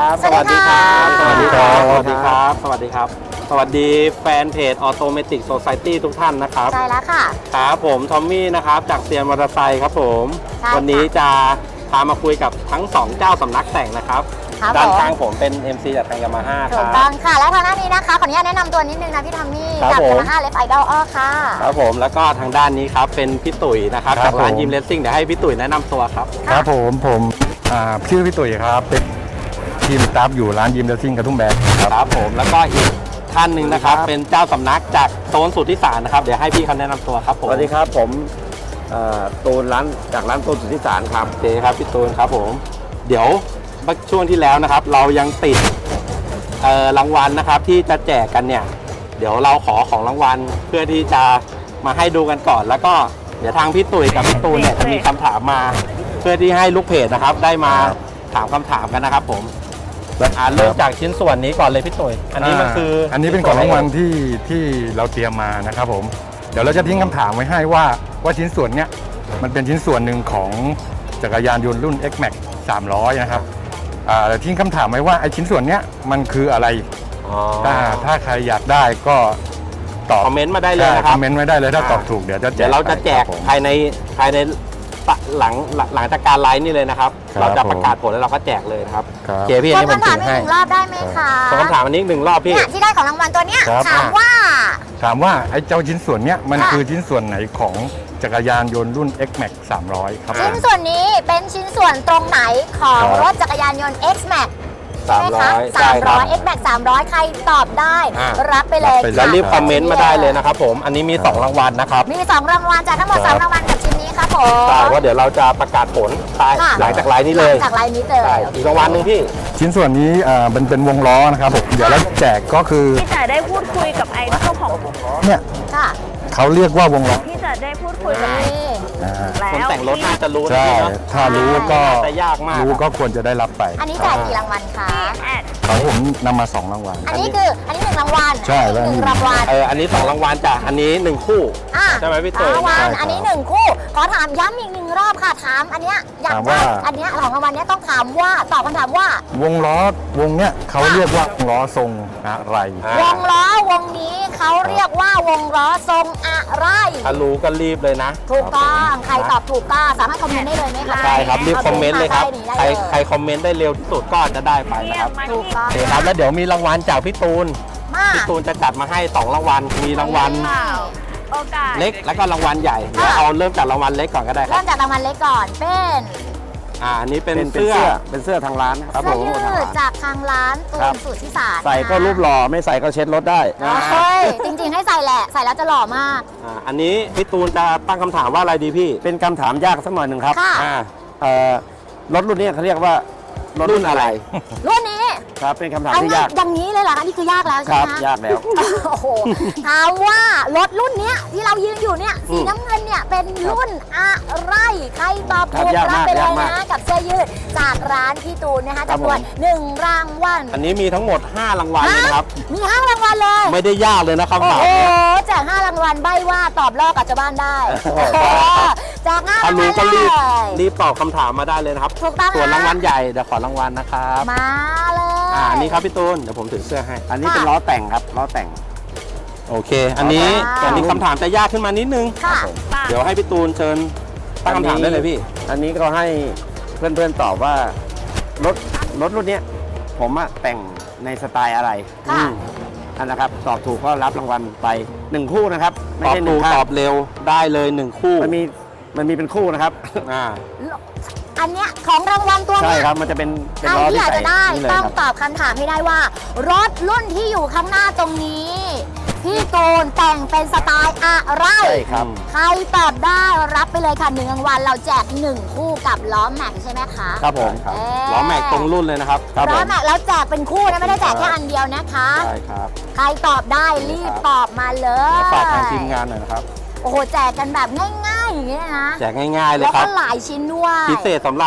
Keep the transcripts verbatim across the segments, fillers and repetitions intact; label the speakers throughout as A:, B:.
A: บสวัสดีครับ
B: สวัสดีครับ
A: สวัสดีครับสวัสดีครับสวัสดีแฟนเพจ Automatic Society ทุกท่านนะครับ
B: ใช่แล้วค่ะ
A: ครับผมทอมมี่นะครับจากเซียนมอเตอร์ไซค์ครับผมวันนี้จะพามาคุยกับทั้งสองเจ้าสำนักแต่งนะครับด้านข้างผมเป็น เอ็ม ซี จากทางยามาฮ่าครับ
B: ถูกต้องค่ะแล้วทางด้านนี้นะคะขออนุญาตแนะนำตัวนิดนึงนะพี่ทอมมี่จากยามาฮ่าเลฟไอดอลอ้อค่ะ
A: ครับผมแล้วก็ทางด้านนี้ครับเป็นพี่ตุ๋ยนะครับจากร้านยิมเลสซิ่งเดี๋ยวให้พี่ตุ๋ยแนะนำตัวครับ
C: ครับผมผมชื่อพี่ตุ๋ยครับเป็นทีมสตาฟอยู่ร้านยิมเลสซิ่งกระทุ่มแบนครับ
A: ครับผมแล้วก็อีกท่านหนึ่งนะครับเป็นเจ้าสำนักจากโซนสุทธิสารนะครับเดี๋ยวให้พี่เขาแนะนำตัวครับผม
D: สวัสดีครับผมตูนร้านจากร้านตูนสุทธิสารครับ
A: โอเคครับพี่ตูนครับผมเดี๋ยวช่วงที่แล้วนะครับเรายังติดรางวัลนะครับที่จะแจกกันเนี่ยเดี๋ยวเราขอของรางวัลเพื่อที่จะมาให้ดูกันก่อนแล้วก็เดี๋ยวทางพี่ตุ๋ยกับพี่ตูนเนี่ยจะมีคำถามมาเพื่อที่ให้ลูกเพจนะครับได้มาถามคำถามกันนะครับผมอ่าเริ่มจากชิ้นส่วนนี้ก่อนเลยพี่ตุ๋ยอันนี้มันคือ
C: อันนี้เป็นของรางวัลที่ที่เราเตรียมมานะครับผมเดี๋ยวเราจะทิ้งคำถามไว้ให้ว่าว่าชิ้นส่วนเนี้ยมันเป็นชิ้นส่วนหนึ่งของจักรยานยนต์รุ่น X Max สามร้อยนะครับอ่าทิ้งคำถามไว้ว่าไอ้ชิ้นส่วนเนี้ยมันคืออะไรถ้าถ้าใครอยากได้ก็
A: ตอบคอมเมนต์มาได้เลยนะครับ
C: คอมเมนต์ไว้ได้เลยถ้าตอบถูกเดี๋ยวจะ
A: เดี๋ยวเราจะแจกภายในภายในหลังหลังจากการไลฟ์นี่เลยนะครับเราจะประกาศผลแล้วเราก็แจกเลยครับ
C: เ
A: จพี่อันนี้ผม
B: ถือให้รอบได้ไหมคะ
A: คำถามอันนี้หนึ่งรอบพี่
B: ที่ได้ของรางวัลตัวเนี้ยถามว่า
C: ถามว่าไอ้เจ้าชิ้นส่วนเนี้ยมันคือชิ้นส่วนไหนของจักรยานยนต์รุ่น X Max สามร้อยครับ
B: ชิ้นส่วนนี้เป็นชิ้นส่วนตรงไหนของรถจักรยานยนต์ X Max
A: สามร้อย
B: สามร้อย X Max สามร้อยใครตอบได้รับไปเลย
A: แล้วรีบคอมเมนต์มาได้เลยนะครับผมอันนี้มีสองรางวัลนะครับ
B: มีสองรางวัลจากทั้งหมดสามรางวัลกับชิ้นนี้ครับผม
A: ใช่ว่าเดี๋ยวเราจะประกาศผลหลังจากไลน์นี้เลย
B: จากไลน์นี้เลย
A: อีกรางวัลหนึ่งพี่
C: ชิ้นส่วนนี้เป็นเป็นวงล้อนะครับผมเดี๋ยวเราแจกก็คือ
E: พี่จะได้พูดคุยกับไอดอลของ
C: เนี่ยเขาเรียกว่าวงล้อ
E: พี่จะได้พูดคุยกับ
A: คนแต่งรถน่าจะรู้
C: ใช่ถ้ารู้ก็
A: จะยากมาก
C: รู้ก็ควรจะได้รับไป
B: อันนี้แจกกี่รางวัลคะ
C: ของผมนำมาสองรางวัล
B: อันนี้คืออันนี้หนึ่งรางวัล
C: ใช่
B: หนึ่งรางวัล
A: เอออันนี้สองรางวัลจ้ะอันนี้หนึ่งคู่ใช่ไหมพี่ตุ๋ย
B: รางวัลอันนี้หนึ่งคู่ขอถามย้ำอีกหนึ่งรอบค่ะถามอันเนี้ยอยากได้อันเนี้ยของรางวัลเนี้ยต้องถามว่าตอบคำถามว่
C: าวงล้อวงเนี้ยเขาเรียกว่าวงล้อทรงอะไร
B: วงล้อวงนี้เขาเรียกว่าวงล้อทรงอะไร
A: ถ้ารู้ก็รีบเลยนะ
B: ถูกต้องใครตอบถูกก็สามารถคอมเมนต์ได้เลยไหมคะ
A: ใช่ครับรีบคอมเมนต์เลยครับใครใครคอมเมนต์ได้เร็วที่สุดก็จะได้ไปนะครับ
B: ถูกต้อง
A: ครับแล้วเดี๋ยวมีรางวัลจากพี่ตูนพี่ตูนจะจัดมาให้สองรางวัลมีรางวัลเล็กแล้วก็รางวัลใหญ่เดี๋ยวเอาเริ่มจากรางวัลเล็กก่อนก็ได้ครับ
B: เริ่มจากรางวัลเล็กก่อนเป็น
A: อ่าอันนี้เป็นเสื้อเป็นเสื้อทางร้านครับผม
B: เสื้อยืดจากทางร้านตูนสุทธิสาร
D: ใส่ก็รูปหล่อไม่ใส่ก็เช็ดรถได้
B: เฮ้ยจริงๆให้ใส่แหละใส่แล้วจะหล่อมาก
A: อ่าอันนี้พี่ตูนจะตั้งคำถามว่าอะไรดีพี่
D: เป็นคำถามยากสักหน่อยหนึ่งครับ
B: อ่า
D: เอ่อรถรุ่นนี้เขาเรียกว่ารุ่นอะไร
B: รุ่นนี้
D: ครับเป็นคำถามที่ยาก
B: อย่างนี้เลยเหรอคะนี่คือยากแล้วใช่ไหม
D: ครับยากแล้ว
B: โอ้โหถามว่ารถรุ่นนี้ที่เรายืนอยู่เนี่ยสีน้ำเงินเนี่ยเป็นรุ่นอะไรใครตอบถูกรับไปเลยนะกับเสื้อยืดจากร้านพี่ตูนนะคะจำนวนหนึ่งรางวัล
A: อันนี้มีทั้งหมดห้ารางวัลเลยนะครับ
B: มีห้ารางวัลเลย
A: ไม่ได้ยากเลยนะคำถาม
B: โอ้โหแจกห้ารางวัลใบว่าตอบลอกกับชาวบ้านได้แจกห้ารางวัล
A: ก็รีบรีบตอบคำถามมาได้เลยนะครับส่วนรางวัลใหญ่เดี๋ยวขอรางวัลนะครับ
B: มาเลย
A: อ่าอันนี้ครับพี่ตูนเดี๋ยวผมถือเสื้อให้
D: อันนี้เป็นล้อแต่งครับล้อแต่ง
A: โอเคอันนี้อันนี้คำถามจะยากขึ้นมานิดนึงเดี๋ยวให้พี่ตูนเชิญตั้งคำถามได้เลยพี่
D: อันนี้ก็ให้เพื่อนๆตอบว่ารถรถรุ่นนี้ผมอะแต่งในสไตล์อะไรอันนะครับตอบถูกก็รับรางวัลไปหนึ่งคู่นะครับ
A: ไม่ใช่หนึ่งตอบเร็วได้เลยหนึ่งคู่
D: มันมีมันมีเป็นคู่นะครับ
A: อ่า
B: อันเนี้ยของรางวัลตัวนี้
D: ใช่ครับมันจะเป็น
B: ใครที่อยากจะได้ต้องตอบคำถามให้ได้ว่ารถรุ่นที่อยู่ข้างหน้าตรงนี้พี่ตูนแต่งเป็นสไตล์อะไร
D: ใช่ครับ
B: ใครตอบได้รับไปเลยค่ะหนึ่งรางวัลเราแจกหนึ่งคู่กับล้อแม็กใช่ไหมคะ
A: ครับผมล้อแม็กตรงรุ่นเลยนะครับ
B: ล้อแม็กแล้วแจกเป็นคู่นะไม่ได้แจกแค่อันเดียวนะคะ
A: ใช่ครับ
B: ใครตอบได้รีบตอบมาเลย
A: ฝากทางทีมงานหน่อยนะครับ
B: โอ้โหแจกกันแบบง่ายๆอย่างนี้นะ
A: แจกง่ายๆเลยครับ
B: แล้วก็หลายชิ้นด้วย
A: พิเศษสำหรับ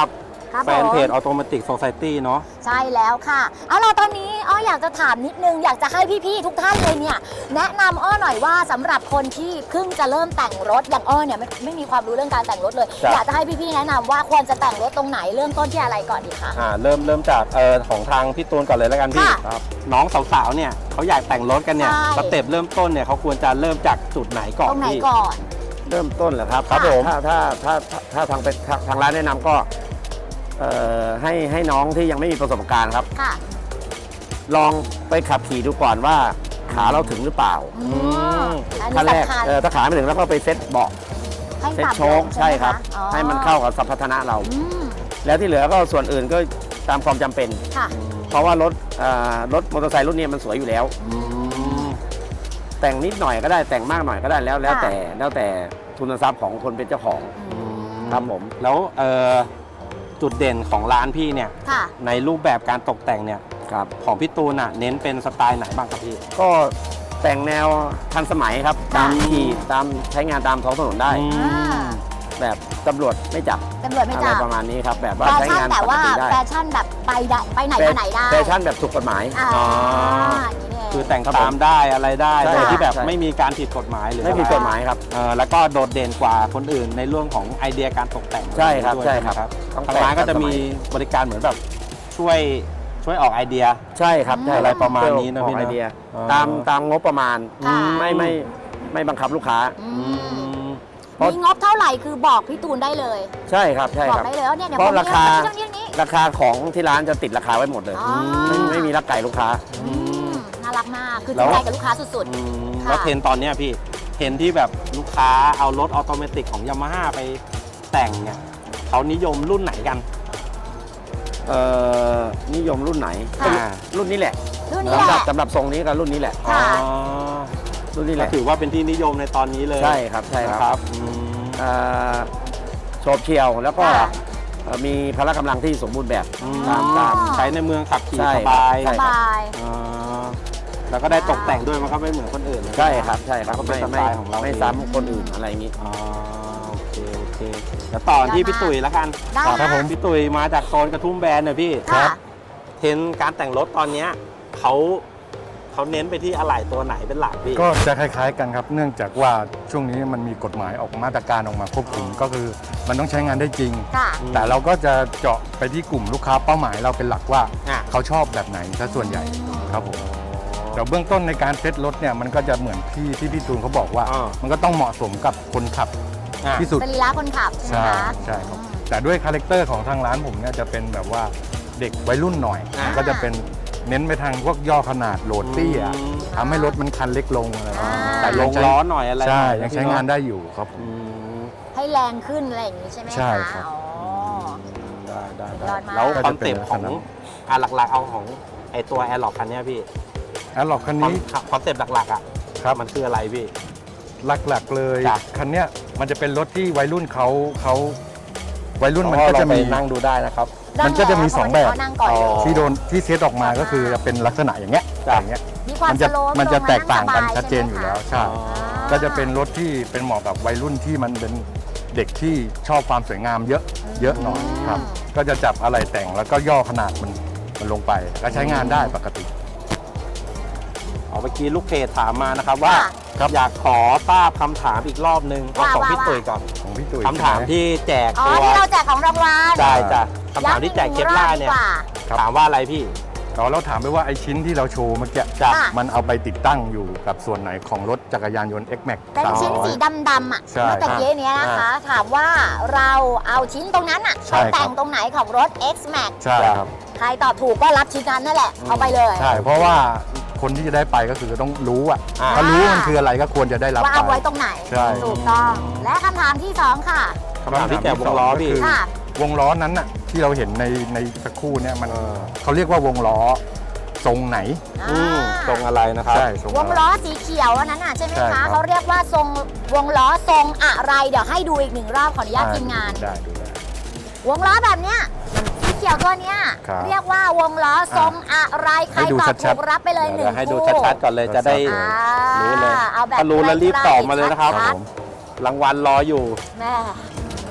B: ครับ
A: แฟนเพจ
B: ผม
A: Automatic Society เนาะ
B: ใช่แล้วค่ะ เอาล่ะตอนนี้อ้ออยากจะถามนิดนึง อยากจะให้พี่ๆทุกท่านเลยเนี่ยแนะนำอ้อหน่อยว่าสำหรับคนที่เพิ่งจะเริ่มแต่งรถอย่างอ้อเนี่ยไม่ไม่มีความรู้เรื่องการแต่งรถเลย
A: ครับ
B: อยากจะให้พี่ๆแนะนำว่าควรจะแต่งรถตรงไหนเริ่มต้นที่อะไรก่อนดีคะ
A: อ่าเริ่มเริ่มจากเออของทางพี่ตูนก่อนเลยแล้วกันพี่
B: ค่ะ
A: ครับน้องสาวๆเนี่ยเขาอยากแต่งรถกันเนี่ย
B: ใช่
A: สเต็ปเริ่มต้นเนี่ยเขาควรจะเริ่มจากจุดไหนก่อน
B: ตรงไหน
A: พี่
B: ก่อน
D: เริ่มต้นเหรอครับ
B: ครับผม
D: ถ้าถ้าถ้าถ้าถ้าทางเป็นทางทางร้านแนะนำก็เอ่อให้ให้น้องที่ยังไม่มีประสบการณ์ครับ
B: ค่ะ
D: ลองไปขับขี่ดูก่อนว่าขาเราถึงหรือเปล่า
B: อืมอัน
D: ขั้น
B: นี้
D: แรก
B: สำคัญ
D: เออถ้าขาไม่ถึงแล้วก็ไปเซ็ตเบาะ
B: ให้
D: เซ็ต
B: ปรับ
D: โชค
B: ลง
D: ใช่ครับ
B: ไหมะอ๋อ
D: ให้มันเข้ากับสัมพัทนะเรา
B: อืม
D: แล้วที่เหลือก็ส่วนอื่นก็ตามความจำเป็น
B: ค่ะ
D: เพราะว่ารถเอ่อรถมอเตอร์ไซค์รุ่นนี้มันสวยอยู่แล้ว
A: อืม
D: แต่งนิดหน่อยก็ได้แต่งมากหน่อยก็ได้แล้วแล้ว
B: ค่ะ
D: แต่แล้วแต่ทุนทรัพย์ของคนเป็นเจ้าของ
B: อืม
D: ครับผม
A: แล้วเออจุดเด่นของร้านพี่เนี่ย
B: ค่ะ
A: ในรูปแบบการตกแต่งเนี่ย
D: ครับ
A: ของพี่ตูนอ่ะเน้นเป็นสไตล์ไหนบ้างครับพี่
D: ก็แต่งแนวทันสมัยครับ
B: ค่ะ
D: ตามขี่ตามใช้งานตามท้องถนนได้
A: อืม
B: อ่า
D: แบบตำรวจไม่จับ
B: ตำรวจไม่
D: อะไร
B: จับ
D: ประมาณนี้ครับ แบบว่า
B: แฟ
D: ใช้
B: ชั่น
D: งาน
B: แต่
D: ปก
B: ว่า
D: ติได้
B: แฟชั่นแบบไปได้ไปไหนมาไหนได้
D: แฟชั่นแบบถูกกฎหมาย
B: อ่า
A: อ๋อ
B: อย่างนี้เอง
A: คือแต่ง
D: ครับ
A: ตามได้อะไรได้
D: ใช่
A: โดยที่แบบ
D: ใช่
A: ไม่มีการผิดกฎหมายหรือ
D: ไม่ผิด
A: อะร
D: กฎหมายครับ
A: เออแล้วก็โดดเด่นกว่าคนอื่นในเรื่องของไอเดียการตกแต่ง
D: ใช่ครับ
A: ด้วย
D: ใช่ครับ
A: นะ
D: ต้อง
A: ทางร้านก็จะมี
D: แต่งทันส
A: บริการเหมือนแบบช่วยช่วยออกไอเดีย
D: ใช่ครับใช่
A: อะไรประมาณนี้นะ
D: ออก
A: พี่นะ
D: ไอเดีย
A: อ๋อ
D: ตามตามงบประมาณ
B: ค่ะ
D: ไม่ไม่ไม่บังคับลูกค้า
B: อื
A: อื
B: ม
A: ม
D: เพราะ
B: มีงบเท่าไหร่คือบอกพี่ตูนได้เลย
D: ใช่ครับใช่
B: บอ
D: ค
B: ก
D: รับ
B: ได้เลยว่าเนี่ยเดี๋ยว
D: เพ
B: ผม
D: ราะราคา
B: เรื่องนี้เรื่องนี้
D: ราคาของที่ร้านจะติดราคาไว้หมดเลย
B: อ๋อ
D: ไม่ไม่มีรักไก่ลูกค้า
B: อืมน่ารักมาก คือ
A: แล้
B: จริ
A: ว
B: งใจกับลูกค้าสุด
A: อืม
B: ค่ะ
A: แล้วเทรนด์ตอนเนี้ยพี่เทรนด์ที่แบบลูกค้าเอารถออโตเมติกของยามาฮ่าไปแต่งเนี่ยเขานิยมรุ่นไหนกัน
D: เอ่อนิยมรุ่นไหน
B: ค่ะ
A: อ่า
D: รุ่นนี้แหละ
B: ๆ รุ่นนี้
D: สำ
B: แห
D: หรับ
B: ละ
D: สำหรับทรงนี้กับรุ่นนี้แหละ
B: ค่ะ
A: อ๋อ
D: รุ่นนี้แห
A: ก็
D: ละ
A: ถือว่าเป็นที่นิยมในตอนนี้เลย
D: ใช่ครับใช่
A: นะ
D: ค
A: ค
D: รั
A: รั
D: บบ
A: อืม
D: เอ่อโฉบเฉี่ยวแล้วก็
B: ค่ะ
D: เอ่อมีพละกำลังที่สมบูรณ์แบบ
A: อืม
D: ตามตาม
A: ใช้ในเมืองขับขี่
D: ใช่
A: สบาย
D: ใช่
B: สบาย
A: อ่าแล้วก็ได้ตกแต่งด้วยมันก็ไม่เหมือนคนอื่นเลย
D: ใช่ครับใช่ครับ
A: ก็เป็น
D: ไม่
A: สไต
D: ไม่
A: ล์ของเรา
D: ไม่
A: เอง
D: ซ้ำคนอื่นอะไรอย่างนี้
A: อ๋อโอเคโอเคแล้วต่อที่พี่ตุ๋ยแล้วกัน
B: ได้
A: ครับ
B: นะ
A: ผมพี่ตุ๋ยมาจากโซนกระทุ่มแบนเนี่ยพี่
B: ค่ะ
A: เทรนด์การแต่งรถตอนเนี้ยเขาเขาเน้นไปที่อะไหล่ตัวไหนเป็นหลักพี่
C: ก็จะคล้ายๆกันครับ เนื่องจากว่าช่วงนี้มันมีกฎหมายออกมาตรการออกมาควบคุม
A: อ๋อ
C: ก็คือมันต้องใช้งานได้จริง
B: ค่ะ
C: แต่เราก็จะเจาะไปที่กลุ่มลูกค้าเป้าหมายเราเป็นหลักว่า
A: อ่ะ
C: เขาชอบแบบไหนซะส่วนใหญ่ครับผมแต่เบื้องต้นในการเซ็ตรถเนี่ยมันก็จะเหมือนที่ที่พี่ตูนเขาบอกว่า
A: อ่า
C: มันก็ต้องเหมาะสมกับคนขับ
A: อ่ะ
C: ที่สุด
B: สรีระคนขับใช่ไหม
C: ใช่
B: คะ
C: ใช่ครับแต่ด้วยคาแรคเตอร์ของทางร้านผมเนี่ยจะเป็นแบบว่าเด็กวัยรุ่นหน่อย
A: อ่า
C: ก็จะเป็นเน้นไปทางพวกย่อขนาดโหลดเตี้ย
A: อืม
C: ทำให้รถมันคันเล็กลงอะไรประมาณนี้
B: อ่า
C: แต่
A: ล
C: ยัง
A: ง
C: ใช้
A: ล้อหน่อยอะไร
C: ใช่
A: หน่อ
C: ยังใช้งานได้อยู่ครับผม
A: อืม
B: ให้แรงขึ้นอะไรอย่างนี้ใช่ไหมคะ
C: ใช่ครับ
B: อ๋อ
A: ได้ได้
B: สุด
A: ได้
B: ยอดมาก
A: แล้ว
C: ก็
A: คอ
C: จะ
A: น
C: เป็น
A: เซปต์ของ
C: ลักษณะ
A: อ่ะหลักๆเอาของไอตัวแอร์ล็อกคันเนี้ยพี่
C: แอร์ล็อกคัน
A: คอน
C: นี้
A: คอนเซปต์หลักๆอ่ะ
C: ครับ
A: มันคืออะไรพี่
C: หลักๆเลย
A: จ้ะ
C: คันเนี้ยมันจะเป็นรถที่วัยรุ่นเขาเขาวัยรุ่นมันก็จะ
A: เราไป
C: มี
A: นั่งดูได้นะครับ
C: มันก็จะมีสองแบบ
B: นั่งก่อนเลย
C: ที่โดนที่เซตออกมาก็คือจะเป็นลักษณะอย่างเงี้ย
A: จ้ะ
C: อย่างเงี้ย
B: มีความ
C: มันจะ
B: สโลป
C: มันจะ
B: ลง
C: แตกต่างกัน
B: งสบ
C: ชัดเจนอยู่แล้ว
B: ใช่ไหม
C: ใช่
A: อ๋อ
C: ก็จะเป็นรถที่เป็นเหมาะกับวัยรุ่นที่มันเป็นเด็กที่ชอบความสวยงามเยอะเยอะหน่อยครับ ก็จะจับอะไรแต่งแล้วก็ย่อขนาดมันมันลงไปก็ใช้งานได้ปกติ
A: เอาเมื่อกี้ลูกเพจถามมานะครับว่า
C: ครับ
A: อยากขอทราบคำถามอีกรอบนึงเอา
B: ว่า
A: ของพี่
B: ว่า
A: ตุ๋ยก่อน
C: ของพี่ตุ๋ย
A: คำถาม
C: ใช่ไห
A: ที่แจก
B: อ๋อ
A: ตัว
B: ที่เราแจกของรางวัล
A: ได้จ้ะคำถามที่แจกเคปล่าเนี่ย
B: ย้ำอีกหงรอบดีกว่า
C: ครับ
A: ถามว่าอะไรพี่
C: เราเราถามไปว่าไอชิ้นที่เราโชว์เมื่อกี้
A: จ้ะ
B: ค่ะ
C: มันเอาไปติดตั้งอยู่กับส่วนไหนของรถจักรยานยนต์ X-Max
B: เป็นชิ้นสีดำๆอ่ะ
C: ใช่
B: เมื่อตะกี้เนี้ยนะคะ ถามว่าเราเอาชิ้นตรงนั้นอ่ะ
C: ใช่
B: ไป
C: ครับ
B: แต่งตรงไหนของรถ X-Max
C: ใช่ครับ
B: ใครตอบถูกก็รับชิ้นนั้นนั่นแหละ เอาไปเลย
C: ใช่ เพราะว่าคนที่จะได้ไปก็คือต้องรู้อ่ะ
A: อ่า
C: ถ้ารู้ว่ามันคืออะไรก็ควรจะได้รับ
B: ว่า
C: ไป
B: เอาไว้ตรงไหน
C: ใช่
B: ถูกต้อง และคำถามที่สองค่ะ
A: คำถามที่แจกวงล้อพี่
C: ก็คือ
B: ค่ะ
C: วงล้อนั้นน่ะที่เราเห็นในในสักครู่เนี่ยมัน
A: เออ
C: เขาเรียกว่าวงล้อทรงไหน
A: อืม
B: อ่า
A: ตรงอะไรนะครับ
C: ใช่ทรง
B: วงล้อสีเขียวอันนั้นน่ะใช่ไหม
C: ใช่ครั
B: คะ
C: บ
B: เขาเรียกว่าทรงวงล้อทรงอะไร เดี๋ยวให้ดูอีกหนึ่งรอบขออนุญาตทีมงาน
C: ได้ดูได้
B: วงล้อแบบเนี้ยสีเขียวตัวเนี้ย
C: ครับ
B: เรียกว่าวงล้อทรงอะไรใคร
C: ให้ดู
B: ตอบ
C: ชั
B: ถู
C: ด
B: ก
C: ๆ
B: รับไปเลยห
A: เดี๋
B: นึ่
A: ยว
B: ง
A: ให้ดู
B: คู่
A: ชัดๆก่อนเลยจะได้
B: อ่า
A: รู้เลย
B: เอาแบบ
A: ถ้ารู้แล้วรีบตอบมาเลยนะครับ
B: ใก
A: รางวัลรออยู่
B: ๆแม่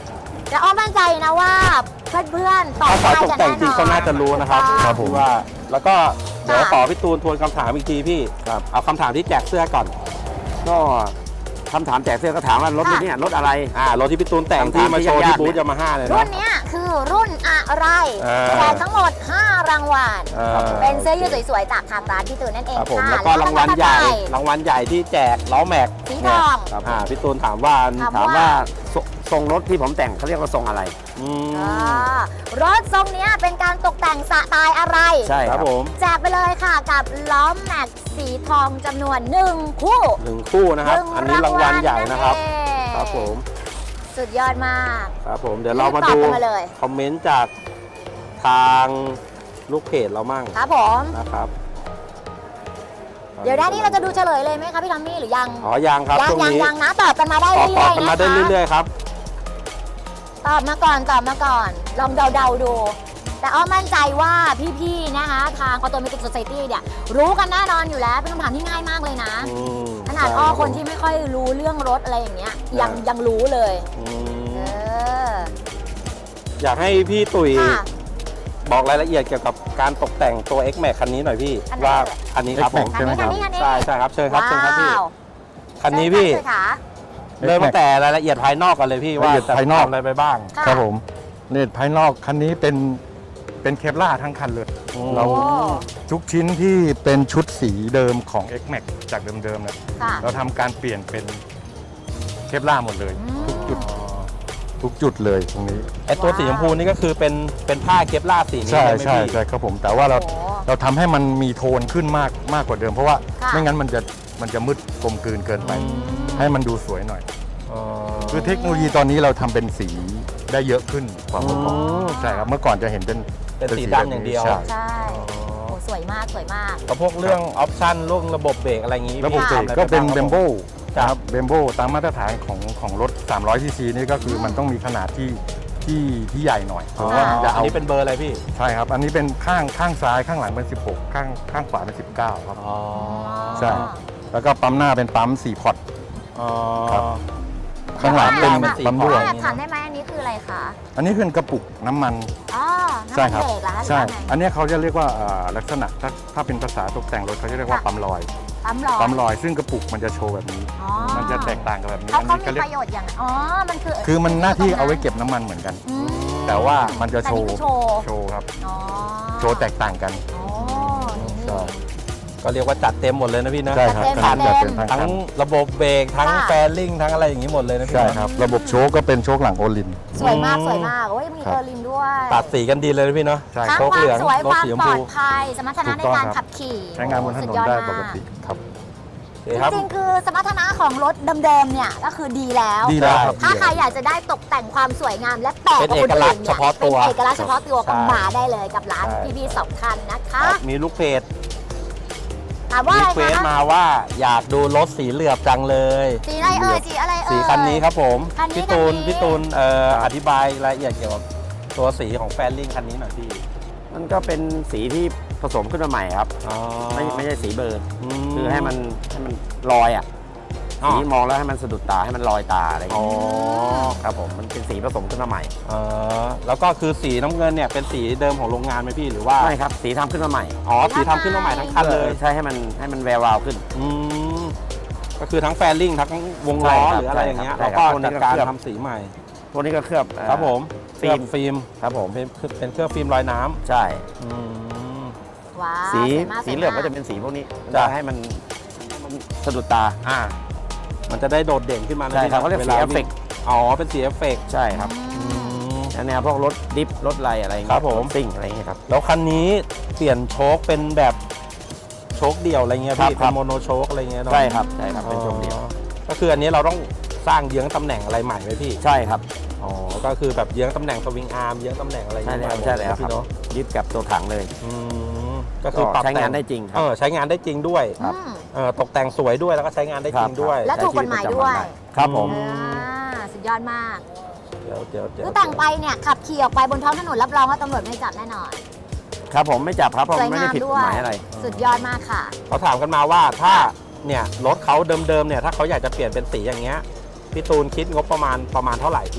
B: แต่อ้อมมั่นใจนะว่าเพื่อนๆตอบ
A: ถ้า
B: ได้
A: สายตก
B: กัน
A: แต่
B: แน่
A: งจริง
B: นอน
A: ก็น่าจะรู้นะครับ
C: ครับผม
A: ว่าแล้วก็เดี๋ยว
B: ค่ะ
A: ขอพี่ตูนทวนคำถามอีกทีพี่
D: ครับ
A: เอาคำถามที่แจกเสื้อก่อน
D: ก็คำถามแจกเสื้อก็ถามว่ารถรุ่นเนี้รถอะไร
A: อ่ารถที่พี่ตูนแต่ง
D: คำถาม
A: ที่มาโชว์
D: ที่
A: ที่
D: ยากๆ
A: บูธ
D: เนี่ย
A: ยามาฮ่าเลย
B: รุ่
A: นะ
B: นเนี้ยคือรุ่นอะไร
A: อ่า
B: แจกทั้งหมด ห้ารางวัล
A: อ่า
B: เป็นเสื้อยืดสวยๆจากทางร้านพี่ตูนนั่นเอง
A: ครับผม
B: ค่ะ
A: แล้วก็รางวัลใหญ่ รางวัลใหญ่ที่แจกล้อแม็ก
B: สีทอง
D: ครับ
A: อ่าพี่ตูนถามว่า
B: ถาม
D: ถามว่าทรงทรงรถที่ผมแต่งเขาเรียกว่าทรงอะไร
A: อืม
B: อ่ารถทรงเนี้ยเป็นการตกแต่งสไตล์อะไร
D: ใช่
A: ค
D: ค
A: รั
D: รั
A: บบ ผม
B: แจกไปเลยค่ะกับล้อแม็กสีทองจำนวนหนึ่งคู่
A: หนึ่งคู่นะครับ
B: หง
A: อันนี้รางวัลใหญ่นะครับ
B: งวัลนั่นเอง
A: ครับผม
B: สุดยอดมาก
A: ครับผมเดี๋ยวเรามา
B: รีบตอบ
A: ดู
B: กันมาเลย
A: คอมเมนต์จากทางลูกเพจเรามั่ง
B: ครับผม
A: นะครับ
B: เดี๋ยวด้านนี้เราจะดูเฉลยเลยไหมคะพี่ทอมมี่หรือยัง
A: อ๋อยังครับ
B: ยัง
A: ช่วง
B: ยัง
A: นี้
B: ยังนะตอบกันมาได้
A: ตอบ
B: เรื่
A: ตอ
B: อบ ย
A: กัน
B: ๆ
A: มา
B: นะ
A: ได้
B: คะ
A: เรื่อยๆครับ
B: ตอบมาก่อนตอบมาก่อน ลองเดาๆดู แต่อ้อมั่นใจว่าพี่ๆนะคะทาง Automatic Society เนี่ยรู้กันแน่นอนอยู่แล้วเป็นคำถามที่ง่ายมากเลยนะ
A: อืม
B: ขนาด
A: ใช่
B: อ้อ
A: รับ
B: คนที่ไม่ค่อยรู้เรื่องรถอะไรอย่างเงี้ยยัง
A: อ่ายั
B: ยังรู้เลย
A: อื
B: เอ
A: ม
B: อ
A: อยากให้พี่ตุ๋ย
B: ค่ะ
A: บอกรายละเอียดเกี่ยวกับการตกแต่งตัว X Max คันนี้หน่อยพี่
B: อันไหน
A: ว่า
B: เอ่ย
A: คันนี้ครับผม
C: X Max ใช่ไหมครับ
B: คันนี้คันนี้
A: ใช่ใช่ครับเชิญครับเชิญครับพี่
B: ว้าว
A: คันนี้พี่
B: เชิญค่ะ
A: เริ่มตั้งแต่รายละเอียดภายนอกก่อนเลยพี่ว่า
C: ละเอียด
A: จะ
C: ภายนอก
A: ทำอะไรไปบ้าง
B: ค่ะ
C: ครับผมเลนภายนอกคันนี้เป็นเป็นเคปล่าทั้งคันเลย
A: อืม
C: เรา
B: โอ้
C: ทุกชิ้นที่เป็นชุดสีเดิมของ X Max จากเดิมๆเนี่ย
B: ค่ะ
C: เราทำการเปลี่ยนเป็นเคปล่าหมดเลย
B: อืม
C: ทุกจุดทุกจุดเลยตรงนี้
A: ไอตัวสีชมพูนี่ก็คือเป็นเป็นผ้าเคปลาร์สีนี้
C: ใช่
A: ไหม
C: ใช่
A: พี่
C: ใช่ครับผม แต่ว่าเรา
B: โอ้
C: เราทำให้มันมีโทนขึ้นมากมากกว่าเดิม เพราะว่า
B: ค่ะ
C: ไม่งั้นมันจะมันจะมืดกลมกลืนเกินไป ให้มันดูสวยหน่อย
A: อ๋อ
C: คือเทคโนโลยีตอนนี้เราทำเป็นสีได้เยอะขึ้นกว่าเมื่อก่อน
A: อืม
C: ใช่ครับเมื่อก่อนจะเห็นเป็น
A: เป็นสี
C: แบบ
A: ดำอย่างเดียว
C: ใช่
B: ใช่โอ้สวยมากสวยมาก
A: แล้วพวกเรื่องออปชั่นเรื่องระบบเบรกอะไรอย่างนี้
C: ระบบเบรก
A: พี่
C: ก็เป็น
A: ทำอะไร
C: เบมโบ
A: บ้างครับ
C: ครับเบมโบตามมาตรฐานของของรถ สามร้อยซีซีนี่ก็คือมันต้องมีขนาดที่ที่ที่ใหญ่หน่อยเพ
A: อ๋อ
C: ราะว่ามันจะ
A: อัน
C: เอา
A: นี้เป็นเบอร์อะไรพี่
C: ใช่ครับ อันนี้เป็นข้างข้างซ้ายข้างหลังเป็นสิบหกข้างข้างขวาเป็นสิบเก้าครับ
A: อ๋อ
C: ใช่ แล้วก็ปั๊มหน้าเป็นปั๊มสี่พอร์ต
A: อ๋อ
C: ครับ ข้างหลังเป็น
A: เป็นสี
C: ปั๊ม
A: ข
C: ด้
A: ว
C: วย
B: แอบถามได้ไหมอันนี้คืออะไรคะ
C: อันนี้เป็นกระปุกน้ำมัน
B: อ๋อน้ำ
C: ใช่
B: มัน
C: ครับ
B: เบรกเหรอคะหรือ
C: ใช่
B: ว่าไง
C: อันนี้เขาจะเรียกว่าอ่าลักษณะถ้าถ้าเป็นภาษาตกแต่งรถเขาจะเรียกว่า
B: ค่ะ
C: ปั๊มลอย
B: ปั๊มลอย
C: ปั๊มลอยซึ่งกระปุกมันจะโชว์แบบนี้
B: อ๋อ
C: มันจะแตกต่างกับแบบนี้
B: เขา
C: อัน
B: เขา
C: นี้
B: มี
C: เขาเรีย
B: ป
C: ก
B: ระโยชน์อย่างไรอ๋อ มันคือ
C: คือมันหน้าที่เอาไว้เก็บน้ำมันเหมือนกัน
B: อืม
C: แต่ว่ามันจะ
B: แต่
C: โช
B: นี่
C: ว์
B: คือโชว์
C: โชว์ครับ
B: อ๋อ
C: โชว์แตกต่างกัน
B: อ๋อนี่
C: ใช่
A: ก็เรียกว่าจัดเต็มหมดเลยนะพี่นะ
C: ใช่ครับ
B: จั
C: คั
B: ด
C: น
B: เต็
C: นี้
B: ม
C: จะเป็นทาง
A: ทั้ง
C: คัน
A: ระบบเบรกทั้ง
B: ค่ะ
A: แฟลิ่งทั้งอะไรอย่างนี้หมดเลยนะพี่
C: ใช่
A: นะครับ
C: ระบบโชคก็เป็นโชคหลังโอลิน
B: สวยมาก
A: อืม
B: สวยมากโอ้ยมี
C: ครับ
B: เออร์ลินด้วย
A: ตัดสีกันดีเลยนะพี่เนาะ
C: ใช่
B: ทั้ง
C: โชค
B: ควา
A: เหลื
B: ม
A: อง
B: สวย
A: รถ
B: ความ
A: สีชม
B: ปล
A: พู
B: อดภัย สมรรถนะ
C: ถู
B: ใน
C: กต้อง
B: การ
C: ครับ
B: ขับขี่
C: ใช้งานบนถนน
B: สุยอ
C: ได้
B: มาก
C: ปกติครับ
A: โอเคครับ
B: จริงๆ คือสมรรถนะของรถเดิมๆ เนี่ยก็คือดีแล้ว
C: ดีแล้วครับ
B: ถ้าใครอยากจะได้ตกแต่งความสวยงามและแปลก
A: เป็น
B: กว่า
A: เอ
B: คน
A: กลั
B: อื่
A: กษณ์
B: น
A: เฉ
B: เนี่ย
A: พาะตัว
B: เป็นเอกลักษณ์เฉพาะตัวก็
A: ใช่
B: มาได้เลยกับร้าน
A: ใช่
B: พี่ๆสองคันนะคะ
A: ครับมีลูกเพจ
B: ถามว่า
A: รี
B: อะไร
A: เควส
B: คะ
A: มาว่าอยากดูรถสีเหลือบจังเลย
B: สีอะไรเอ่ยสีอะไรเอ่ย
A: สีคันนี้ครับผม
B: คันนี้
A: พี่ตูน
B: คันนี้
A: พี่ตูนเอ่ออธิบายรายละเอียดเกี่ยวกับตัวสีของแฟนลิงคันนี้หน่อยพี่
D: มันก็เป็นสีที่ผสมขึ้นมาใหม่ครับ
A: อ๋อ
D: ไม่ไม่ใช่สีเบิร์น
A: ม
D: คือให้มันให้มันลอยอ่ะ
A: อ๋อ
D: สีมองแล้วให้มันสะดุดตาให้มันลอยตาอะไรอย่าง
A: อ๋อ
D: เงี้ยครับผมมันเป็นสีผสมขึ้นมาใหม่
A: เออแล้วก็คือสีน้ำเงินเนี่ยเป็นสีเดิมของโรงงานไหมพี่หรือว่า
D: ใช่ครับสีทำขึ้นมาใหม่
A: อ๋อสีทำขึ้นมาใหม่ทั้งคันเลย
D: ใช่ให้มันให้มันแวววาวขึ้น
A: อืมก็คือทั้งแฟนลิงทั้งวงล้อ
D: ใช่ครับ
A: หรืออะไรอย่างเงี้ย
D: ใช่
A: แล้ว
D: ครับ
A: ก็
D: ใช่
A: จั
D: ครับ
A: ดการ
D: พวกนี้ก็เคลือบ
A: ทำสีใหม่
D: ตัวนี้ก็เคลือบเอ่อ
A: ครับผม
D: ฟิล์ม
A: เคลือบฟิล์ม
D: ครับผม
A: เป็นเป็นเครื่องฟิล์มลอยน้ำ
D: ใช่
A: อืม
B: ว้าว
D: สี
B: สวยมาก
D: สีเหลือง
B: ส
D: ก็
B: วย
D: จะเป็นสีพวกนี้
A: จ้ะ
D: จะให้มันมันสะดุดตา
A: อ่า มันจะได้โดดเด่นขึ้นมานะ
D: ใช่ครับเขาเรียกสี
A: วล
D: เอฟเฟกต์
A: อ๋อเป็นสีเอฟเฟกต์
D: ใช่ครับ
B: อืม
D: แนวพวกรถดิฟรถไรอะไรอย่าง
A: ครั
D: เงี้
A: บ
D: ย
A: ผม
D: ซิ่งอะไรอย่างเงี้ยครับ
A: แล้วคันนี้เปลี่ยนโชคเป็นแบบโชคเดี่ยวอะไรเงี้ย
D: ครับ
A: พี่
D: ครั
A: เป็น
D: บ
A: โมโนโชคอะไรเงี้ยเนาะ
D: ใช่ครับใช่ครับเป็นช่วงเดียว
A: อ๋อก็คืออันนี้เราต้องสร้างเยื้องตำแหน่งอะไรใหม่ไหมพี่
D: ใช่ครับ
A: อ๋อก็คือแบบเยื้องตำแหน่งสวิงอาร์มเยื้องตำแหน่งอะไร
D: ใช่
A: เงี้ย
D: แล้วใช่แล้วค
A: พี่
D: รับ
A: เนาะ
D: ยึดกับตัวถังเลย
A: อืมก็คือ
D: ก็
A: ปรับ
D: ใช้งาน
A: แต่
D: ได้จริงครับ
A: เออใช้งานได้จริงด้วย
D: ครับ
B: อืม
A: เออตกแต่งสวยด้วยแล้วก็ใช้งานได้จริงด้วย
B: และถูกกฎหมายด้วย
D: ครับผม
A: อื
B: อ่าสุดยอดมาก
A: เดี๋ยวเดี๋ยวเดี๋ยว
B: คือแต่งไปเนี่ยขับขี่ออกไปบนท้องถนนรับรองว่าตำรวจไม่จับแน่นอน
D: ครับผมไม่จับครับเพราะ
B: สวย
D: ไม่
B: งา
D: ได้
B: ม
D: ผิดก
B: ด้
D: ฎ
B: ว
D: ห
B: ย
D: มายอะไร
B: สุดยอดมากค่ะ
A: เขาถามกันมาว่าถ้าเนี่ยรถเขาเดิมๆเนี่ยถ้าเขาอยากจะเปลี่ยนเป็นสีอย่างเงี้ยพี่ตูนคิดงบประมาณประมาณเท่าไหร่พี่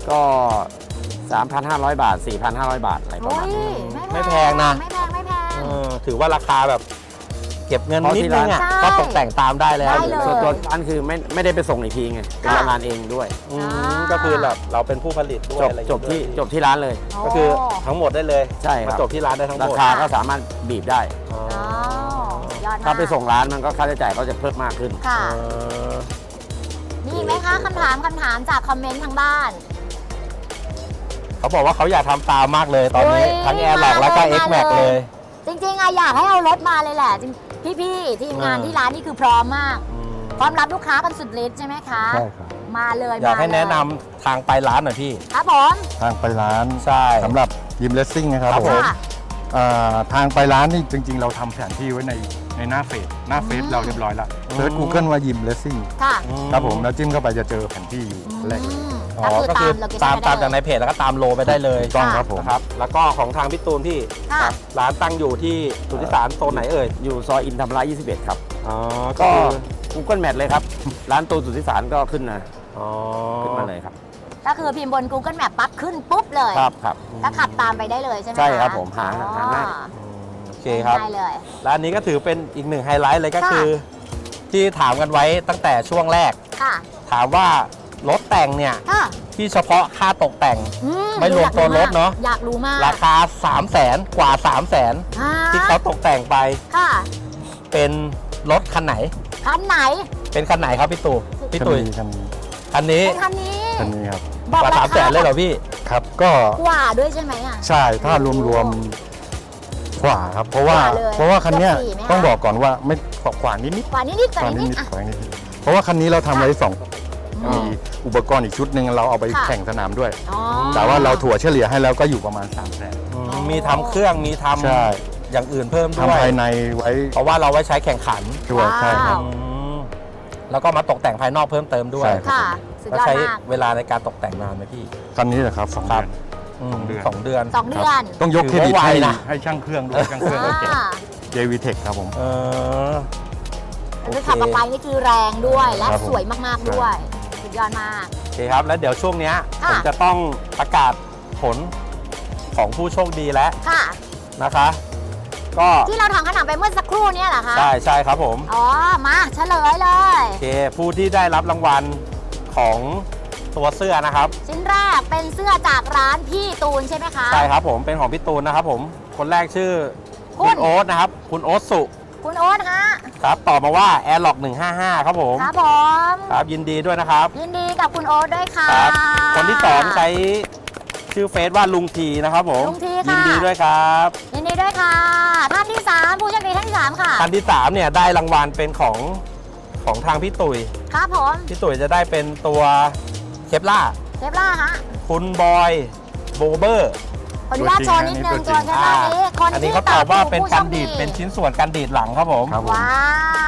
D: ก็ สามพันห้าร้อย บาท สี่พันห้าร้อย บาทอะไรประ
B: โอ้
D: มาณ
B: ย
D: นี้
A: ไม่แพงนะ
B: ไม่แพงไม่แพง
A: เออถือว่าราคาแบบเก็บเงินนิดนึงอ่ะ
B: ใช่
A: ก็ตกแต่งตามได้แล้ว
B: ได้เลย
D: ส่วนตัวร้านคือไม่ไม่ได้ไปส่งอีกทีไงเป็น
B: ค่ะ
D: โรงงานเองด้วย
A: อืม
B: อ่า
A: ก็คือแบบเราเป็นผู้ผลิตด้ว
D: จ
A: ย
D: บ
A: อะไรอย่าง
D: จบ
A: เงี้ย
D: ที่
A: ด้วย
D: จบที่ร้านเลย
A: ก็คือทั้งหมดได้เลย
D: ใช่ค
A: มา
D: รับ
A: จบที่ร้านได้ทั้งห
D: ราม
A: ด
D: คาก็สามารถบีบได้
A: อ๋อ
B: อ๋อสุดยอดมาก
D: ถ้าไปส่งร้านมันก็ค่าใช้จ่ายก็จะเพิ่มมากขึ้น
B: ค่ะ
A: เออ
B: มีอีกไหมคะคำถามคำถามจากคอมเมนต์ทางบ้าน
A: เขาบอกว่าเขาอยากทำตามมากเลยตอนนี้
B: โอ้ย
A: ทั้ง Air Lock แล้วก็
B: มาเลย
A: X Max เลย
B: จริงๆอะอยากให้เอารถมาเลยแหละจริงพี่ๆทีมงาน
A: อ่า
B: ที่ร้านนี่คือพร้อมมาก
A: อืม
B: พร้อมรับลูกค้ากันสุดฤทธิ์ใช่ไหมคะ
C: ใช่ครับ
B: มาเลย
A: อยากให้
B: มเลย
A: แนะนำทางไปร้านหน่อยพี่
B: ครับผม
C: ทางไปร้าน
A: ใช่
C: สำหรับยิมเลสซิ่งนะครับ
A: ครับ
C: ผม
B: ค่ะ
C: อ่าทางไปร้านนี่จริง ๆ เราทำแผนที่ไว้ในในหน้าเฟซหน้าเฟซ
B: อืม
C: เราเรียบร้อยแล้ว
A: อืม
C: เซิร์ช Google ว่ายิมเลสซิ่ง
B: ค่ะ
C: ครับผมแล้วจิ้มเข้าไปจะเจอแผนที่อยู่แรกเลย
B: อืม
A: อ๋อก็คือ
B: โลเค
A: ตา
B: ชั่
A: ม
B: น
A: ตาม
B: ไป
A: จากใน
B: ได้เลย
A: เพจแล้วก็ตามโลไปได้เลย
C: ถูกต้องครับผม
A: นะครับแล้วก็ของทางพี่ตูนพี่
B: ค่ะ
A: ครับร้านตั้งอยู่ที่สุทธิสารโซนไหนเอ่ย
D: อยู่ซอยอินธรรมระยี่สิบเอ็ดครับ
A: อ๋อ
D: ก็
A: คือ
D: Google Map เลยครับ ร้านตูนสุทธิสารก็ขึ้นนะ
A: อ๋อ
D: ขึ้นมาเลยครับ
B: ก็คือพิมพ์บน Google Map ปั๊บขึ้นปุ๊บเลย
D: ครับครับ
B: ก็ขับตามไปได้เลยใช่ไหมะ
D: ใช่ครับผมหา
B: อ๋อ
D: หาง่าย
A: อืมโอเคครับ
B: ได้เลย
A: ร้านนี้ก็ถือเป็นอีกหนึ่งไฮไลท์เลยก็
B: ค่ะ
A: คือ ที่ถามกันไว้ตั้งแต่ช่วงแรก
B: ค่ะ
A: ถามว่ารถแต่งเนี่ย
B: ค่ะ
A: ที่เฉพาะค่าตกแต่ง
B: อื
A: ไม่รวมตัวรถเนอะ
B: อยากรู้มาก
A: ราคา 3 0 0แสนกว่า 3 0 0แสน
B: อ่า
A: ที่เขาตกแต่งไป
B: ค่ะ
A: เป็นรถคันไหน
B: คันไหน
A: เป็นคันไหนครับพี่ตู่พี่ตุ๋ย
C: คันนี้
A: คันนี้
B: เป็นคันนี้
C: คันนี้ครับ
B: บอก
A: กว่า
B: รา
A: สามแส
B: คาน
A: เลยเหรอพี่
C: ครับก็
B: กว่าด้วยใช่ไหมอ่ะ
C: ใช่ถ้ารวมๆขวาครับเพราะว่า
B: ขวาเลย
C: เพราะว่าคันเนี้ย
B: เกือบสี่ไหมคะ
C: ต้องบอกก่อนว่าไม่ขวานิดนิด
B: กว่านิดนิดก
C: ขวา
B: ว่านิด
C: นิด
B: นิด
C: นิด
B: อ่ะ
C: ขวานิดนิดเพราะว่าคันนี้เราทำไว้สอง
B: อื
C: มี
B: ม
C: อุปกรณ์อีกชุดหนึ่งเราเอาไป
B: ค่ะ
C: แข่งสนามด้วย
B: อ๋อ
C: แต่ว่าเราถั่วเฉลี่ยให้แล้วก็อยู่ประมาณ3ามแสน
A: อืมมีทำเครื่องมีท
C: ใช่
A: ำอย่างอื่นเพิ่มด้ว
C: ทำ
A: ย
C: ภายในไว้
A: เพราะว่าเราไว้ใช้แข่งขัน
C: ด้วยใช่ครับ
A: อืมแล้วก็มาตกแต่งภายนอกเพิ่มเติมด้วย
C: ใช่
B: ค่ะ สุด
A: แล้ว
B: ยอด
A: ใช้
B: มาก
A: เวลาในการตกแต่งนานไหมพี่
C: คันนี้แหละครับสอง
A: ครั
C: เดื
A: บ
C: อน
A: อืม
C: สองเดือน
A: สองเดือน
B: สองเดือน
C: ต้องยกเครดิต
A: ถือว่าไว
C: ให้
A: นะ
C: ให้ช่างเครื่องด้วยช่างเครื่องก็เก่ง
B: อ่า
C: เจ วี Tech ครับผม
A: เออ โอเค
B: คือขับออกไปนี่คือแรงด้วยและ
C: ครับผม
B: สวยมากๆด้วย สุดยอดมาก
A: โอเคครับ แล้วเดี๋ยวช่วงเนี้ย
B: ค่ะ
A: ผมจะต้องประกาศผลของผู้โชคดีแล้ว
B: ค่ะ
A: นะคะ ก็
B: ที่เราทำขนมไปเมื่อสักครู่เนี่ยเหรอคะ
A: ใช่ใช่ครับผม
B: อ๋อ มาเฉลยเลย
A: โอเคผู้ที่ได้รับรางวัลของตัวเสื้อนะครับ
B: ชิ้นแรกเป็นเสื้อจากร้านพี่ตูนใช่ไหมคะ
A: ใช่ครับผมเป็นของพี่ตูนนะครับผมคนแรกชื่อ
B: คุ
A: คุณ ณโอ๊ตนะครับ คุณโอ๊ตสุ
B: คุณโอ๊ตฮะ
A: ครับตอบมาว่า Air Lock หนึ่งห้าห้าครับผม
B: ครับผม
A: ครับยินดีด้วยนะครับ
B: ยินดีกับคุณโอ๊ตด้วยค่ะ
A: ครับ คนที่สองใช้ชื่อเฟซว่าลุงทีนะครับผม
B: ลุงทีค่ะ
A: ยินดีด้วยครับ
B: ยินดีด้วยค่ะ ท่านที่สามผู้โชคดีท่านที่สามค่ะ
A: ท่านที่สามเนี่ยได้รางวัลเป็นของของทางพี่ตุ๋ย
B: ครับผม
A: พี่ตุ๋ยจะได้เป็นตัวเคปล่า
B: เทปล่าฮะ
A: คุณบอยโบเบอร์
B: ขออนุญาตโชว์นิดนึง
C: ตั
B: ตัว
C: วจริ
B: เท
C: ง
B: ปล่านี้คน
A: อันนี้
B: ที่
A: เขาตอบว่าเป็น
B: ผู้
A: การ
B: โชค
A: ดีดเป็นชิ้นส่วนการดีดหลังครับผม
C: ครับผม
B: ว้าว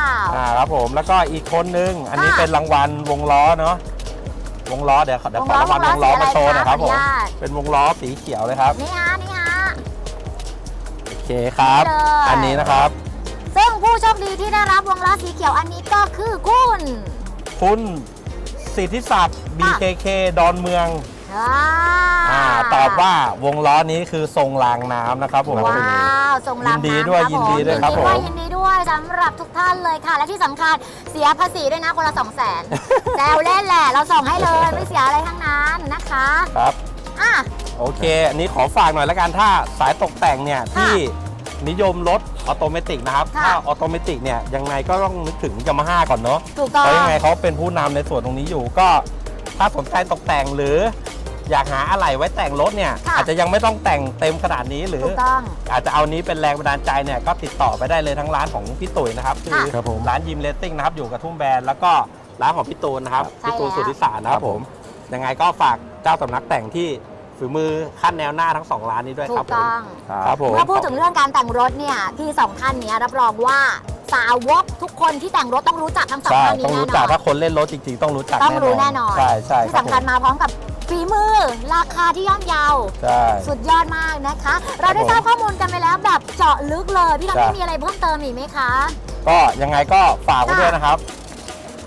A: อ่าครับผมแล้วก็อีกคนนึง อันนี้
B: ค่ะ
A: เป็นรางวัลวงล้อเนาะวงล้อเดี๋ยวขอเดี๋ยวขอรางวัลวงล้อมาโชว์หน่อยครับผม
B: ขออนุญาต
A: เป็นวงล้อสีเขียวเลยครับ
B: นี่ฮะ นี่ฮะ
A: โอเคครับ
B: นี่เลย
A: อันนี้นะครับ
B: ซึ่งผู้โชคดีที่ได้รับวงล้อสีเขียวอันนี้ก็คือคุณ
A: คุณสิทธิศักดิ์ บี เค เค ดอนเมือง
B: อ่า
A: อ่าตอบว่าวงล้อนี้คือทรงรางน้ำนะครับผม
B: ว้าวส่งลำ
A: ยินดีด้วย
B: ำ
A: ยินดีด้วยครับผม
B: ยินดีด้วยสำหรับทุกท่านเลยค่ะ และที่สำคัญเสียภาษีด้วยนะคนละสองแสนแซวเล่นแหละ เราส่งให้เลย ไม่เสียอะไรทั้งนั้นนะคะ
A: ครับ
B: อ่ะ
A: โอเค อันนี้ขอฝากหน่อยแล้วกันถ้าสายตกแต่งเนี่ย
B: ค่ะ
A: ที่นิยมรถออโตเมติกนะครับ
B: ค่ะ
A: ถ้าออโตเมติกเนี่ยยังไงก็ต้องนึกถึงยามาฮ่าก่อนเนาะ
B: ถูกต้อง
A: เพราะยังไงเขาเป็นผู้นำในส่วนตรงนี้อยู่ก็ถ้าสนใจตกแต่งหรือ อยากหาอะไหล่ไว้แต่งรถเนี่ย
B: ค่ะ
A: อาจจะยังไม่ต้องแต่งเต็มขนาดนี้หรือ
B: ถูกต้อง
A: อาจจะเอานี้เป็นแรงบันดาลใจเนี่ยก็ติดต่อไปได้เลยทั้งร้านของพี่ตุ๋ยนะครับคือ
C: ครับผม
A: ร้านยิมเลสติ้งนะครับอยู่กับทุ่มแบรนด์แล้วก็ร้านของพี่ตูนนะครับ
B: ใช่
A: พี่ตูน
B: แล้ว
A: สุทธิสารนะครับผมยังไงก็ฝากเจ้าสำนักแต่งที่ฝีมือขั้นแนวหน้าทั้งสองร้านนี้ด้วย
B: ถู
A: ครับ
B: ก
A: ผม
B: ต้อง
A: ครับผม
B: เมื่อพูดถึงเรื่องการแต่งรถเนี่ยพี่สองท่านเนี้ยรับรองว่าสาวกทุกคนที่แต่งรถต้องรู้จักทั้งสอง
A: ใช่
B: ท่านนี้
A: ต้อง
B: แน่
A: รู้
B: น
A: จั
B: อก น
A: ถ้าคนเล่นรถจริงๆ ต้องรู้จัก
B: ต้องรู้แน่นอน
A: ใช่ใช่
B: ที่
A: ครับ
B: สำคัญ
A: ผม
B: มาพร้อมกับฝีมือราคาที่ย่อมเยา
A: ใช่
B: สุดยอดมากนะคะ เราได้
A: ครับผม
B: ทราบข้อมูลกันไปแล้วแบบเจาะลึกเลย พี่ทำ
A: จ้ะ
B: ไม่มีอะไรเพิ่มเติมอีกไหมคะ
A: ก็ยังไงก็ฝากไว้ด้วยนะครับ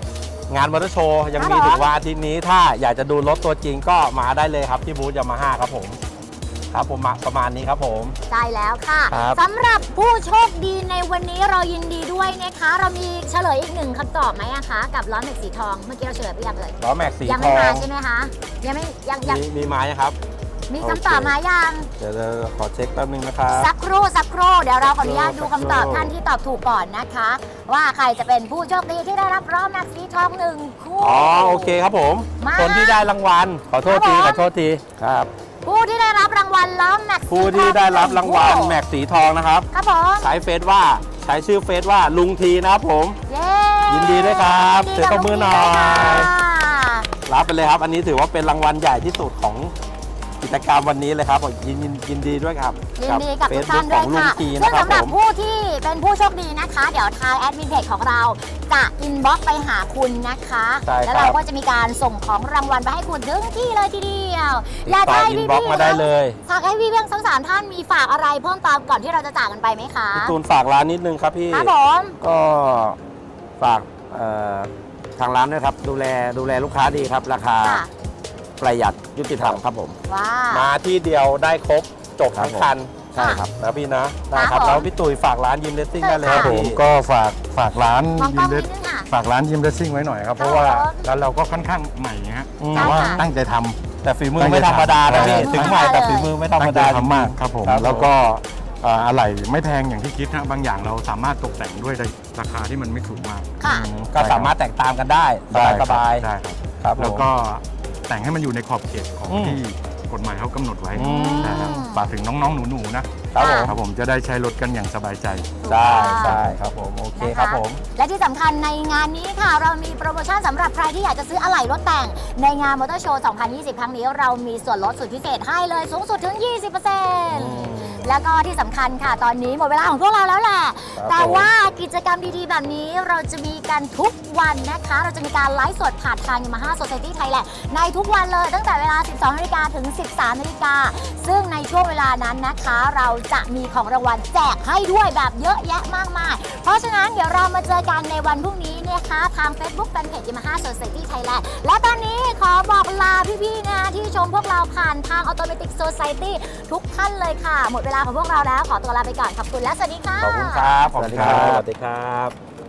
A: งานมอเตอร์โชว์ยังมี
B: ครับผม
A: ถึงวันอาทิตย์นี้ถ้าอยากจะดูรถตัวจริงก็มาได้เลยครับที่บูธยามาฮ่าครับผมครับผมมาประมาณนี้ครับผม
B: ใช่แล้วค่ะ
A: ครับ
B: สำหรับผู้โชคดีในวันนี้เรายินดีด้วยนะคะ เรามีเฉลยอีกหนึ่งคำตอบไหมอะคะ กับล้อแม็กสีทองเมื่อกี้เราเฉลยไปยังเลย
A: ล้อแม็กสี
B: ยัง
A: ท
B: ไม่
A: อง
B: มาใช่ไหมคะยังไม่ยังยัง
A: มีมีไม้ครับ
B: มี
A: โอเค
B: คำตอบมายัง
A: เดี๋ยวเราขอเช็คแป๊บนึงนะครับ
B: สักครู่สักครู่เดี๋ยวเราขออนุญาตดู
A: สักครู่
B: คำตอบท่านที่ตอบถูกก่อนนะคะ ว่าใครจะเป็นผู้โชคดีที่ได้รับล้อแม็กสีทองหนึ่งคู่
A: อ๋อโอเคครับผม
B: มา
A: คนที่ได้รางวัลขอโทษที
B: ครับผม
A: ขอโทษทีครับ
B: ผู้ที่ได้รับรางวัลล้อแม็กสีทอง
A: ผู้ที่ได้รับรางวัล
B: หนึ่
A: แม็กสีทองนะครับ
B: ครับผม
A: ใช้เฟซว่าใช้ชื่อเฟซว่าลุงทีนะครับผม
B: เย้
A: ยินดีด้วยครับ
B: ยินดี
A: เสียงตบมือหน่อย
B: กับลุงทีด้วยค่ะ
A: รับไปเลยครับ อันนี้ถือว่าเป็นรางวัลใหญ่ที่สุดของกิจกรรมวันนี้เลยครับยินยินยินดีด้วยครับ
B: ยินดีกับทุกท่าน
A: ข
B: ด้
A: อ
B: วย
A: งลุง
B: ค่ะ
A: ที
B: ซึ่
A: นะ
B: ง
A: ครับ
B: สำหรับ
A: ผม
B: ผู้ที่เป็นผู้โชคดีนะคะ เดี๋ยวทางแอดมินเพจของเราจะอินบ็อกซ์ไปหาคุณนะคะ
A: ใช่ครับ
B: แล้วเราก็จะมีการส่งของรางวัลไปให้คุณถึงที่เลยทีเดียว
A: ติดต่ออินบ็อกซ์มาได้เลย
B: ฝากให้พี่เพียงทั้งสามท่านมีฝากอะไรเพิ่มเติมก่อนที่เราจะจากกันไปไหมคะ
A: พี่ตูนฝากร้านนิดนึงครับพี่
B: ครับผม
D: ก็ฝากเอ่อทางร้านด้วยครับ ดูแลดูแลลูกค้าดีครับ ราคา
B: ค่ะ
D: ประหยัดยุติธรรมครับผม
B: ว้า
A: มาที่เดียวได้ครบจบทั้งคัน
D: ใช่ครับ
A: นะพี่นะได้ค
B: ครั
A: รั
B: บบ ผม
A: แล้วพี่ตุ๋ยฝากร้านยิมเลสซิ่งได้เลย
B: ค
C: ค
B: รั
C: รับ บผม
A: พี่
C: ก็ฝากฝากร้าน
B: มองกล้
C: ยิ
B: อง
C: มเล
B: นิ
C: ส
B: ดนึงค่ะ
C: ฝากร้านยิมเลสซิ่งไว้หน่อยครับ เพราะว่าร้านเราก็ค่อนข้างใหม่ฮะ
A: อืม
C: แต่ว่า
B: ใช่ค่ะ
C: ตั้งใจทำ
A: แต่ฝีมือไม่ธรรมดานะพี่
C: ใช่
A: ถึงใหม่แต่ฝีมือไม่ธรรม
C: ตั้งใจ
A: ดา
C: ทำมากครับผม
A: ครับ
C: แล้วก็เอ่ออะไหล่ไม่แพงอย่างที่คิดนะบางอย่างเราสามารถตกแต่งด้วยราคาที่มันไม่สูงมาก
B: ค่ะ
A: อืมก็สามารถแตกต่างกันได้สบายสบาย
C: ได้ครับ
A: ครับผม
C: แล้วก็แต่งให้มันอยู่ในขอบเขตของ
A: อืม
C: ที่กฎหมายเขากำหนดไว้
A: อืม
C: นะครับฝากถึงน้องๆหนูๆนะครับ
A: ผม
C: ครับผมจะได้ใช้รถกันอย่างสบายใจ
A: ใช่ใช่ครับผมโอเคครับผม
B: และที่สำคัญในงานนี้ค่ะ เรามีโปรโมชั่นสำหรับใครที่อยากจะซื้ออะไหล่รถแต่งในงานมอเตอร์โชว์ สองพันยี่สิบ ครั้งนี้เรามีส่วนลดสุดพิเศษให้เลยสูงสุดถึง ยี่สิบเปอร์เซ็นต์
A: อืม
B: แล้วก็ที่สำคัญค่ะตอนนี้หมดเวลาของพวกเราแล้วแหละ
A: ครับ
B: แต่ว่ากิจกรรมดีๆ แบบนี้เราจะมีกันทุกวันนะคะ เราจะมีการไลฟ์สดผ่านทาง Yamaha Society Thailand ในทุกวันเลยตั้งแต่เวลา สิบสองนาฬิกาถึง สิบสามนาฬิกาซึ่งในช่วงเวลานั้นนะคะ เราจะมีของรางวัลแจกให้ด้วยแบบเยอะแยะมากมาย เพราะฉะนั้นเดี๋ยวเรามาเจอกันในวันพรุ่งนี้นะคะทาง Facebook Fanpage Yamaha Society Thailand และตอนนี้ขอบอกลาพี่ๆนะที่ชมพวกเราผ่านทาง Automatic Society ทุกท่านเลยค่ะ หมดเวลาของพวกเราแล้วขอตัวลาไปก่อนขอบคุณและสวัสดีค่ะ
A: ขอบคุณครับขอบคุณครับ
D: ส
A: ส
D: วั
A: วั
D: ส
A: ส
D: ดี
A: ดี
D: ค
A: ค
D: รั
A: รับ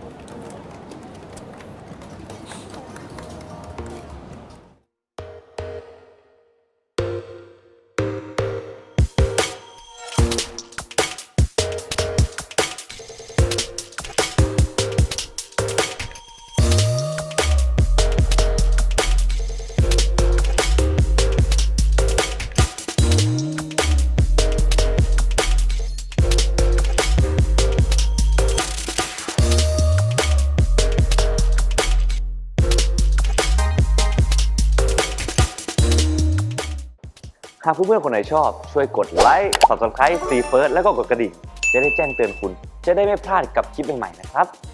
F: หากเพื่อนๆคนไหนชอบช่วยกดไลค์ ซับสไครบ์ ซีเฟิร์สแล้วก็กดกระดิ่งจะได้แจ้งเตือนคุณ จะได้ไม่พลาดกับคลิปใหม่ๆนะครับ